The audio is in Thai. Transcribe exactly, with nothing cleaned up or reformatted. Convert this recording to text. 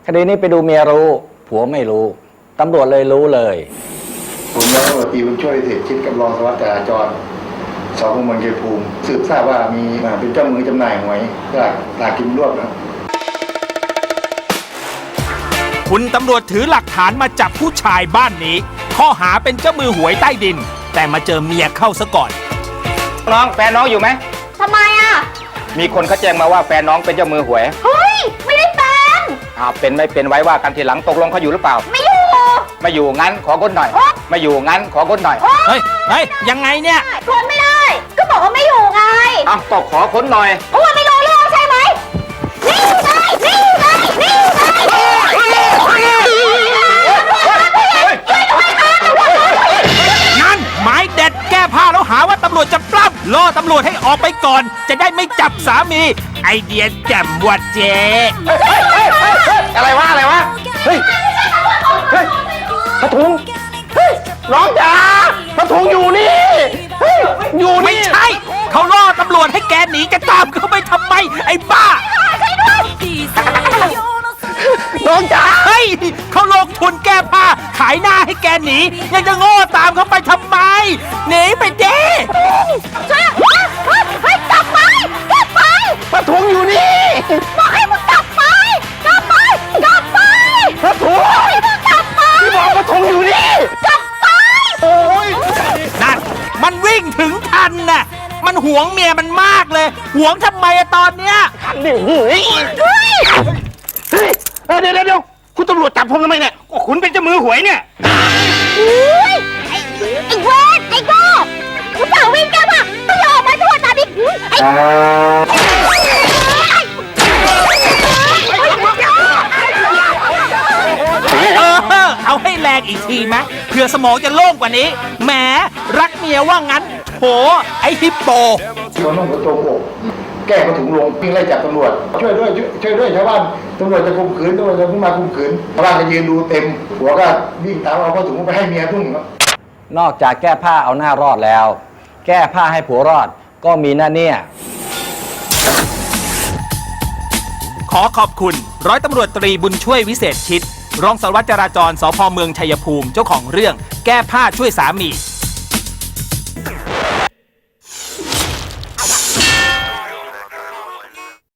คดีนี้ไปดูเมียรู้ผัวไม่รู้ตำรวจเลยรู้เลยผมร้อยตำรวจตรีบุญช่วยวิเศษชิดกับรองสารวัตรจราจรสพเมืองชัยภูมิสืบทราบว่ามีเป็นเจ้ามือจำหน่ายหวยสลากสลากกินรวบนะคุณตำรวจถือหลักฐานมาจับผู้ชายบ้านนี้ข้อหาเป็นเจ้ามือหวยใต้ดินแต่มาเจอเมียเข้าซะก่อนน้องแฟนน้องอยู่ไหมทำไมอ่ะมีคนเขาแจ้งมาว่าแฟนน้องเป็นเจ้ามือหวยเฮ้ยไม่ได้เป็นอ้าวเป็นไม่เป็นไว้ว่ากันทีหลังตกลงเขาอยู่หรือเปล่าไม่อยู่ไม่อยู่งั้นขอก้นหน่อยไม่อยู่งั้นขอก้นหน่อยเฮ้ยเฮ้ยยังไงเนี่ยค้นไม่ได้ก็บอกว่าไม่อยู่ไงอ้าวก็ขอค้นหน่อยโอ้ไม่รู้เรื่องใช่ไหมนี่ไงนี่ไงนี่ไงนั่นหมายเด็ดแก้ผ้าแล้วหาว่าตำรวจจะปล้ำล่อตำรวจให้ออกไปก่อนจะได้ไม่จับสามีไอเดียแจ่มวัดเจอะไรวะอะไรวะเฮ้ยเฮ้ยพระถุงเฮ้ยน้องจ๋าพระถุงอยู่นี่เฮ้ยอยู่นี่ไม่ใช่เขาล่อตำรวจให้แกหนีจะตามเขาไปทำไมไอ้บ้าน้องจ๋าเฮ้ยเขาลงทุนแก้ผ้าขายหน้าให้แกหนียังจะโง่ตามเขาไปทำไมหนีไปเด้ช่วยเฮ้ยกลับไปกลับไปพระถุงอยู่นี่บอกให้มึงกลับไปกลับไปกลับไปพระถุงกลับไปที่บอกพระถุงอยู่นี่กลับไปโอ้ยนั่นมันวิ่งถึงทันน่ะมันหวงเมียมันมากเลยหวงทำไมอะตอนเนี้ยทันดิเฮ้ยเฮ้ยเฮ้ยเดี๋ยวเดี๋ยวคุณตำรวจจับผมทำไมเนี่ยก็คุณเป็นเจ้ามือหวยเนี่ยอุ้ยไอ้ไอ้เวทไอ้โง่กูเปล่าวิ่งแกป่ะไม่ยอมมาทั่วตาดิไอ้เออเอาให้แรงอีกทีไหมเพื่อสมองจะโล่งกว่านี้แหมรักเมียว่างั้นโหไอ้ฮิปโปตัวน้องตัวโตโกแก้มาถึงลงวิ่งไล่จับตำรวจช่วยด้วยช่วยด้วยชาวบ้านตำรวจจะข่มขืนตำรวจจะพุ่งมาข่มขืนชาวบ้านก็ยืนดูเต็มหัวก็วิ่งตามเอาผ้าถุงไปให้เมียพุ่งนอกจากแก้ผ้าเอาหน้ารอดแล้ว แก้ผ้าให้ผัวรอดก็มีหน้าเนี่ยขอขอบคุณร้อยตำรวจตรีบุญช่วยวิเศษชิดรองสารวัตรจราจรสภ.เมืองชัยภูมิเจ้าของเรื่องแก้ผ้าช่วยสามี